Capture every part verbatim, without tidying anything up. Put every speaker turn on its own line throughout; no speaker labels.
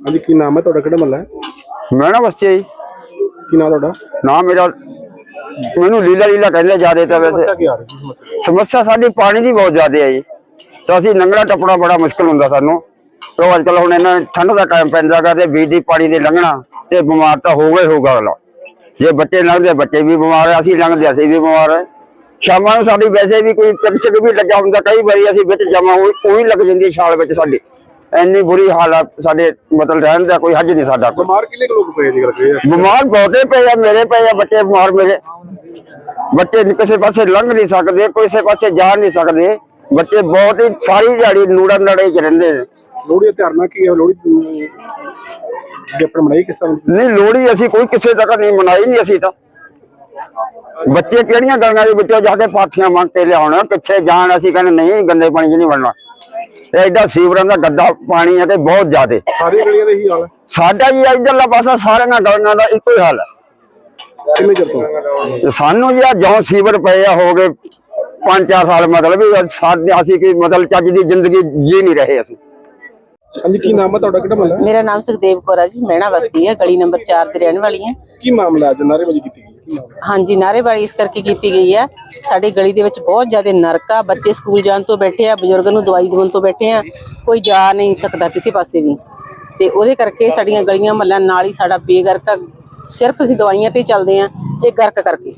हाँ जी, की नाम है ਤੁਹਾਡਾ? ਕਿਹੜਾ ਮਹੱਲਾ ਹੈ?
मैना बस्ती है जी।
ਕੀ ਨਾਮ ਤੁਹਾਡਾ?
नाम मेरा मैनू लीला लीला कहते ज्यादा। तो
ਸਮੱਸਿਆ ਕੀ ਆ ਰਹੀ ਹੈ? ਸਮੱਸਿਆ
समस्या साडी पानी की बहुत ज्यादा है जी। तो असीं लंघना टप्पना बड़ा मुश्किल हुंदा सानू। तो अजकल हुण इन्हां ठंड दा टाइम पैंदा गा ते बिजली पानी दे लंघना ते बीमार तो होगा ही होगा अगला। जे बच्चे लंघदे बच्चे भी बीमार है, असीं लंघदे असीं भी बीमार है। शामां नूं साडी वैसे भी कोई टक छक भी लग्गा हुंदा, कई वारी असीं विच जमा ਉਹੀ ਲੱਗ ਜਾਂਦੀ है छाल विच साडी। ਇੰਨੀ ਬੁਰੀ ਹਾਲਤ ਸਾਡੇ ਮਤਲਬ ਰਹਿਣ ਦਾ ਕੋਈ ਹੱਜ ਨਹੀਂ ਸਾਡਾ।
ਬਿਮਾਰ ਕਿੰਨੇ ਕੁ ਲੋਕ ਪਏ ਜੀ ਕਰਕੇ?
ਬਿਮਾਰ ਬਹੁਤੇ ਪਏ ਆ, ਮੇਰੇ ਪਏ ਆ, ਬੱਚੇ ਬਿਮਾਰ ਮੇਰੇ ਬੱਚੇ ਕਿਸੇ ਪਾਸੇ ਲੰਘ ਨਹੀਂ ਸਕਦੇ, ਕਿਸੇ ਪਾਸੇ ਜਾ ਨਹੀਂ ਸਕਦੇ। ਬੱਚੇ ਬਹੁਤ ਹੀ ਸਾਰੀ ਦਿਹਾੜੀ ਨੂੜਾ ਨੜੇ ਚ ਰਹਿੰਦੇ ਨੇ।
ਲੋਹੜੀ ਦਾ ਤਿਉਹਾਰ ਕੀ ਹੈ? ਲੋਹੜੀ ਜੇ ਆਪਾਂ ਮਨਾਈ ਕਿਸ ਤਰ੍ਹਾਂ?
ਨਹੀਂ, ਲੋਹੜੀ ਅਸੀਂ ਕੋਈ ਕਿਸੇ ਤੱਕ ਨਹੀਂ ਮਨਾਈ ਨਹੀਂ। ਅਸੀਂ ਤਾਂ ਬੱਚੇ ਕਿਹੜੀਆਂ ਗਲੀਆਂ ਦੇ ਵਿੱਚੋਂ ਜਾ ਕੇ ਪਾਥੀਆਂ ਮੰਗ ਕੇ ਲਿਆਉਣ, ਕਿੱਥੇ ਜਾਣ। ਅਸੀਂ ਕਹਿੰਦੇ ਨਹੀਂ, ਗੰਦੇ ਪਾਣੀ ਚ ਨਹੀਂ ਵੜਨਾ। एडा सीवरां दा गद्दा पानी है बहुत ज्यादा।
सारी गलियां दा ही हाल है
साडा जी। इधरला पासा सारे गलियां दा इक्को ही हाल है।
किन्ने चिर तो
सानू जी जो सीवर पे हो गए पांच चार साल, मतलब असीं कोई मतलब चज दी जिंदगी जी नहीं रहे असीं।
हाँ जी, की नाम है ਤੁਹਾਡਾ? ਕਿਹੜਾ ਮਹੱਲਾ ਹੈ?
मेरा नाम सुखदेव कौर है जी। मैना बस्ती है, गली नंबर चार ते रहने वाली है।
ਕੀ ਮਾਮਲਾ ਅੱਜ ਨਾਅਰੇਬਾਜ਼ੀ ਕੀਤੀ ਗਈ? ਕੀ ਮਾਮਲਾ?
हाँ जी, नारेबाजी इस करके की गई है। साडी गली दे विच बहुत ज्यादा नरक आ। बच्चे स्कूल जाण तो बैठे आ, बजुर्ग नूं दवाई देण तो बैठे आ, कोई जा नहीं सकता किसी पासे भी। ते ओहदे करके साडीਆਂ गलियां महल्ला नाल ही साडा बेगरक आ। सिर्फ ਅਸੀਂ दवाइयां ते चलदे आ, ਇਹ ਗਰਕ ਕਰਕੇ।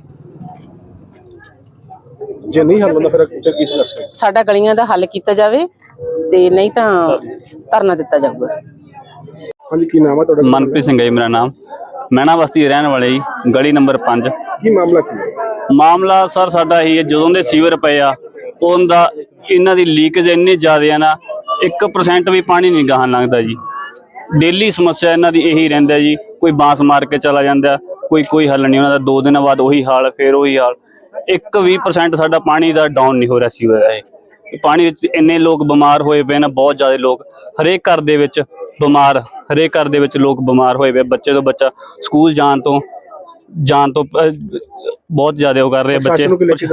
ਜੇ ਨਹੀਂ ਹੱਲ ਹੁੰਦਾ ਫਿਰ ਫਿਰ ਕੀ ਸਮੱਸਿਆ?
ਸਾਡਾ ਗਲੀਆਂ ਦਾ ਹੱਲ ਕੀਤਾ ਜਾਵੇ ਤੇ ਨਹੀਂ ਤਾਂ ਧਰਨਾ ਦਿੱਤਾ ਜਾਊਗਾ।
हाँ जी, की नाम है ਤੁਹਾਡਾ?
मनप्रीत सिंह है जी मेरा नाम। मैना बस्ती रहने वाले जी, गली नंबर पांच।
ਕੀ ਮਾਮਲਾ ਕੀ ਹੈ?
मामला सर साडा ही है, ਜਦੋਂ ਦੇ ਸੀਵਰ ਪਏ ਆ ਉਹਦਾ ਇਹਨਾਂ ਦੀ ਲੀਕੇਜ ਇੰਨੀ ਜ਼ਿਆਦਾ ਆ ਨਾ, ਇੱਕ ਪਰਸੈਂਟ ਵੀ ਪਾਣੀ ਨਹੀਂ ਗਾਹਾਂ ਲੰਘਦਾ ਜੀ। ਡੇਲੀ ਸਮੱਸਿਆ ਇਹਨਾਂ ਦੀ ਇਹੀ ਰਹਿੰਦਾ ਜੀ। ਕੋਈ ਬਾਂਸ ਮਾਰ ਕੇ ਚਲਾ ਜਾਂਦਾ, ਕੋਈ ਕੋਈ ਹੱਲ ਨਹੀਂ ਉਹਨਾਂ ਦਾ। ਦੋ ਦਿਨਾਂ ਬਾਅਦ ਉਹੀ ਹਾਲ, ਫਿਰ ਉਹੀ ਹਾਲ। ਇੱਕ ਵੀਹ ਪਰਸੈਂਟ ਸਾਡਾ ਪਾਣੀ ਦਾ ਡਾਊਨ ਨਹੀਂ ਹੋ ਰਿਹਾ ਸੀਵਰ ਦਾ। ਇਹ ਪਾਣੀ ਵਿੱਚ ਇੰਨੇ ਲੋਕ ਬਿਮਾਰ ਹੋਏ ਪਏ ਨੇ, ਬਹੁਤ ਜ਼ਿਆਦਾ ਲੋਕ। ਹਰੇਕ ਘਰ ਦੇ ਵਿੱਚ ਬਿਮਾਰ, ਹਰੇਕ ਘਰ ਦੇ ਵਿੱਚ ਲੋਕ ਬਿਮਾਰ ਹੋਏ ਪਏ। ਬੱਚੇ ਤੋਂ ਬੱਚਾ ਸਕੂਲ ਜਾਣ ਤੋਂ ਜਾਣ ਤੋਂ ਬਹੁਤ ਜ਼ਿਆਦਾ ਉਹ ਕਰ ਰਹੇ ਬੱਚੇ।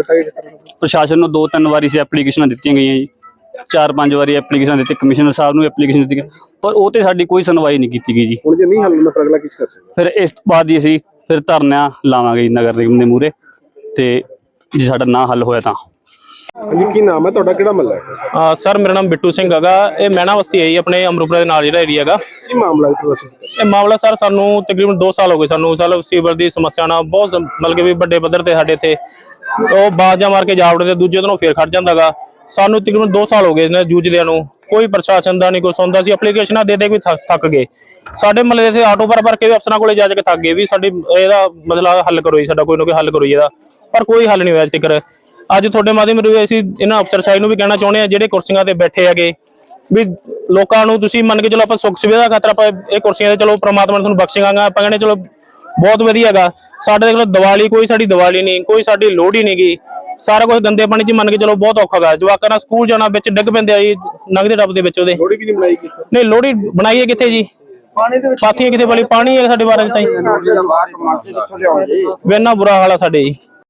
ਪ੍ਰਸ਼ਾਸਨ ਨੂੰ ਦੋ ਤਿੰਨ ਵਾਰੀ ਸੀ ਐਪਲੀਕੇਸ਼ਨਾਂ ਦਿੱਤੀਆਂ ਗਈਆਂ ਜੀ, ਚਾਰ ਪੰਜ ਵਾਰੀ ਐਪਲੀਕੇਸ਼ਨ ਦਿੱਤੀ, ਕਮਿਸ਼ਨਰ ਸਾਹਿਬ ਨੂੰ ਐਪਲੀਕੇਸ਼ਨ ਦਿੱਤੀ, ਪਰ ਉਹ ਤੇ ਸਾਡੀ ਕੋਈ ਸੁਣਵਾਈ ਨਹੀਂ ਕੀਤੀ ਗਈ ਜੀ।
ਹੁਣ ਜੇ ਨਹੀਂ ਹੱਲ ਹੁੰਦਾ ਫਿਰ ਅਗਲਾ ਕੀ ਕਰ ਸਕਦੇ?
ਫਿਰ ਇਸ ਤੋਂ ਬਾਅਦ ਹੀ ਅਸੀਂ ਫਿਰ ਧਰਨਾ ਲਾਵਾਂਗੇ ਜੀ ਨਗਰ ਨਿਗਮ ਦੇ ਮੂਹਰੇ, ਤੇ ਜੇ ਸਾਡਾ ਨਾ ਹੱਲ ਹੋਇਆ ਤਾਂ।
ਹਾਂਜੀ, ਕੀ ਨਾਮ ਹੈ ਤੁਹਾਡਾ? ਕਿਹੜਾ ਮਹੱਲਾ ਹੈ?
सर मेरा नाम बिट्टू सिंह हैगा। ये मैना बस्ती है जी, अपने अमरूपरा के नाल जिहड़ा एरिया हैगा।
ਕੀ ਮਾਮਲਾ ਹੈ ਦੱਸੋ?
ਇਹ ਮਾਮਲਾ ਸਰ ਸਾਨੂੰ ਤਕਰੀਬਨ ਦੋ ਸਾਲ ਹੋ ਗਏ ਸਾਨੂੰ ਸਾਲ ਸੀਵਰ ਦੀ ਸਮੱਸਿਆ ਨਾਲ ਬਹੁਤ ਮਤਲਬ ਕਿ ਵੀ ਵੱਡੇ ਪੱਧਰ ਤੇ ਸਾਡੇ ਇੱਥੇ ਉਹ ਬਾਜ਼ਾਂ ਮਾਰ ਕੇ ਜਾ ਵੜਦੇ, ਦੂਜੇ ਦਿਨੋਂ ਫੇਰ ਖੜ ਜਾਂਦਾਗਾ। ਸਾਨੂੰ ਤਕਰੀਬਨ ਦੋ ਸਾਲ ਹੋ ਗਏ ਨੇ ਜੂਝਦਿਆਂ ਨੂੰ। ਕੋਈ ਪ੍ਰਸ਼ਾਸਨ ਦਾ ਨਹੀਂ ਕੋਈ ਸੁਣਦਾ ਸੀ। ਐਪਲੀਕੇਸ਼ਨਾਂ ਦੇ ਦੇ ਵੀ ਥੱਕ ਗਏ। ਸਾਡੇ ਮਹੱਲੇ ਇੱਥੇ ਆਟੋ ਭਰ ਭਰ ਕੇ ਵੀ ਅਫਸਰਾਂ ਕੋਲੇ ਜਾ ਕੇ ਥੱਕ ਗਏ ਵੀ ਸਾਡੀ ਇਹਦਾ ਮਸਲਾ ਹੱਲ ਕਰੋ ਜੀ, ਸਾਡਾ ਕੋਈ ਨਾ ਕੋਈ ਹੱਲ ਕਰੋ ਜੀ ਇਹਦਾ, ਪਰ ਕੋਈ ਹੱਲ ਨਹੀਂ ਹੋਇਆ ਅਜੇ ਤੱਕ। ਅੱਜ ਤੁਹਾਡੇ ਮਾਧਿਅਮ ਰਾਹੀਂ ਅਸੀਂ ਇਹਨਾਂ ਅਫਸਰ ਸਾਹਿਬ ਨੂੰ ਵੀ ਕਹਿਣਾ ਚਾਹੁੰਦੇ ਆ, ਜਿਹੜੇ ਕੁਰਸੀਆਂ ਤੇ ਬੈਠੇ ਹੈਗੇ, ਵੀ ਲੋਕਾਂ ਨੂੰ ਤੁਸੀਂ ਮੰਨ ਕੇ ਚਲੋ ਆਪਾਂ ਸੁੱਖ ਸੁਵਿਧਾ ਖਾਤਰ ਆਪਾਂ ਇਹ ਕੁਰਸੀਆਂ ਤੇ ਚਲੋ ਪ੍ਰਮਾਤਮਾ ਨੇ ਤੁਹਾਨੂੰ ਬਖਸ਼ੇਗਾ, ਆਪਾਂ ਕਹਿੰਦੇ ਚਲੋ ਬਹੁਤ ਵਧੀਆ ਹੈਗਾ। ਸਾਡੇ ਕੋਲ ਦੀਵਾਲੀ ਕੋਈ ਸਾਡੀ ਦੀਵਾਲੀ ਨਹੀਂ, ਕੋਈ ਸਾਡੀ ਲੋਹੜੀ ਨਹੀਂ ਗਈ। ਸਾਰਾ ਕੁਝ ਗੰਦੇ ਪਾਣੀ 'ਚ ਮੰਨ ਕੇ ਚਲੋ ਬਹੁਤ ਔਖਾ ਗਾ। ਜਵਾਕਾਂ ਨਾਲ ਸਕੂਲ ਜਾਣਾ ਵਿੱਚ ਡਿੱਗ ਪੈਂਦੇ ਆ ਜੀ ਲੰਘਦੇ ਟੱਪ ਦੇ ਵਿੱਚ ਉਹਦੇ।
ਲੋਹੜੀ ਵੀ ਨਹੀਂ ਬਣਾਈ ਗਈ?
ਨਹੀਂ, ਲੋਹੜੀ ਬਣਾਈਏ ਕਿੱਥੇ ਜੀ? ਪਾਥੀਆਂ ਕਿਤੇ ਵਾਲੀ ਪਾਣੀ ਹੈ ਸਾਡੇ ਬਾਰਾਂ ਚ ਤਾਂ ਜੀ। ਇੰਨਾ ਬੁਰਾ ਹਾਲ ਆ ਸਾਡੇ ਜੀ।